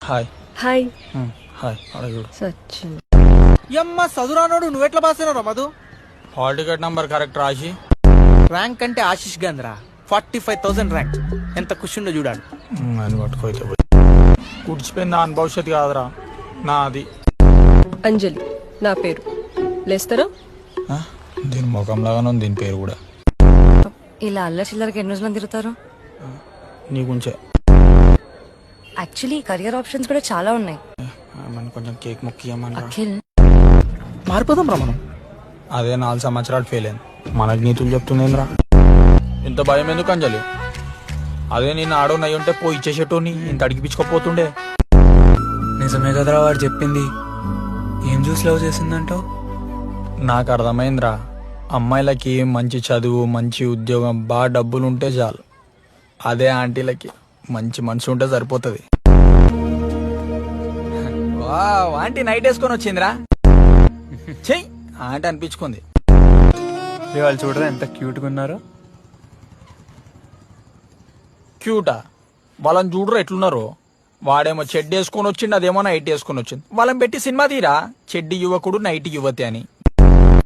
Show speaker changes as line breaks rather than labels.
Hi.
Hi.
Hi అడుగుడు.
సచిన్.
యమ్మ చదురానోడు నువ్వెట్లా పాస్ అయినావు Madhu?
Hall ticket number correct రాసి
ర్యాంక్ అంటే ఆశిష్ గంధ్రా 45,000 ర్యాంక్. ఎంత ఖుషిండో చూడాడు.
అని పట్టుకోయితే పోయి కూర్చిపోయింది దాని భవిష్యత్తు కాదురా నాది.
అంజలి నా పేరు. లేస్తారా?
దీని ముఖంలాగానే ఉంది దీని పేరు కూడా.
ఇలా అల్లరి చిల్లరకి ఎన్ని రోజులు తిరుగుతారు?
నీ గురించే.
యాక్చువల్లీ కెరియర్ ఆప్షన్స్ కూడా చాలా ఉన్నాయి.
మనం కొంచెం కేక్ మొక్కియమని.
అఖిల్
మారిపోదాం రా మనం.
అదే 4 సంవత్సరాలు ఫెయిల్ అయింది. మనకు నీతులు చెప్తుందేంద్రా. ఇంత భయం ఎందుకు అంజలి? అదే నేను ఆడో నయ్యి ఉంటే పోయి ఇచ్చేసేటోని ఇంత అడిగిపించుకోపోతుండే.
నిజమే కదరా వాడు చెప్పింది. ఏం చూసి లవ్ చేసిందంటావు?
నాకు అర్థమైందిరా. అమ్మాయిలకి మంచి చదువు, మంచి ఉద్యోగం, బాగా డబ్బులు ఉంటే చాలు. అదే ఆంటీలకి మంచి మనసు ఉంటే సరిపోతుంది. ఆంటీ నైట్ వేసుకొని వచ్చిందిరా. చెయ్యి ఆంటీ అనిపించుకుంది.
వాళ్ళు చూడరా ఎంత క్యూట్గా ఉన్నారో.
క్యూటా? వాళ్ళని చూడరు ఎట్లున్నారు. వాడేమో చెడ్డి వేసుకొని వచ్చిండు, అదేమో నైట్ వేసుకొని వచ్చింది. వాళ్ళని పెట్టి సినిమా తీరా చెడ్డి యువకుడు నైట్ యువతి అని.